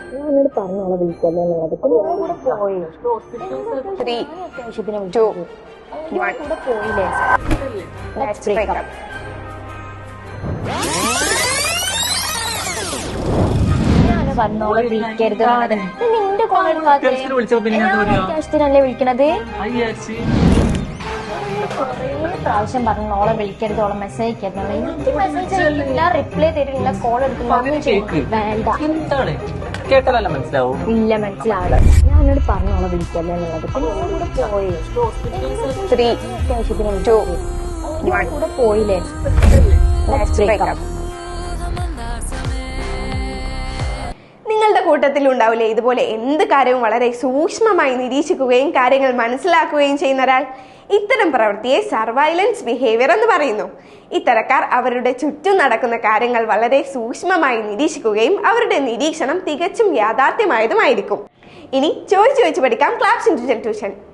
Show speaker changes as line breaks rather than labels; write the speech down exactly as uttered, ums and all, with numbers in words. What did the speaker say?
ഞാനോട് പറഞ്ഞോളെ വിളിക്കല്ലേ എന്നുള്ളത്. കൂടെ പോയി
ത്രീ
അത്യാവശ്യത്തിന്
ടു
കൂടെ പോയില്ലേ? Let's break up. ഞാന് പറഞ്ഞോളെ വിളിക്കരുത് എന്നുള്ളത്. നിന്റെ കോൾ അത്യാവശ്യത്തിനല്ലേ വിളിക്കണത്? കുറേ പ്രാവശ്യം പറഞ്ഞു ഓളെ വിളിക്കരുത്, ഓളെ മെസ്സേജ് അയക്കരുത്. എനിക്ക് മെസ്സേജ് അയക്കില്ല, റിപ്ലൈ തരില്ല, കോൾ എടുക്കില്ല, ഒന്നും ചെയ്യില്ല. വേണ്ട,
മനസ്സിലാവും.
ഇല്ല മനസ്സിലാവില്ല. ഞാനോട് പറഞ്ഞോളെ വിളിക്കല്ലേ എന്നുള്ളത്. കൂടെ പോയി
ത്രീ
അത്യാവശ്യത്തിന്
ടു
കൂടെ പോയില്ലേ? Let's break up.
നിങ്ങളുടെ കൂട്ടത്തിൽ ഉണ്ടാവില്ലേ ഇതുപോലെ എന്ത് കാര്യവും വളരെ സൂക്ഷ്മമായി നിരീക്ഷിക്കുകയും കാര്യങ്ങൾ മനസ്സിലാക്കുകയും ചെയ്യുന്ന ഒരാൾ? ഇത്തരം പ്രവൃത്തിയെ സർവൈലൻസ് ബിഹേവിയർ എന്ന് പറയുന്നു. ഇത്തരക്കാർ അവരുടെ ചുറ്റും നടക്കുന്ന കാര്യങ്ങൾ വളരെ സൂക്ഷ്മമായി നിരീക്ഷിക്കുകയും അവരുടെ നിരീക്ഷണം തികച്ചും യാഥാർത്ഥ്യമായതുമായിരിക്കും. ഇനി ചോദിച്ചു ചോദിച്ചു പഠിക്കാം ക്ലാസ് ഇൻഡിവിജ്വൽ ട്യൂഷൻ.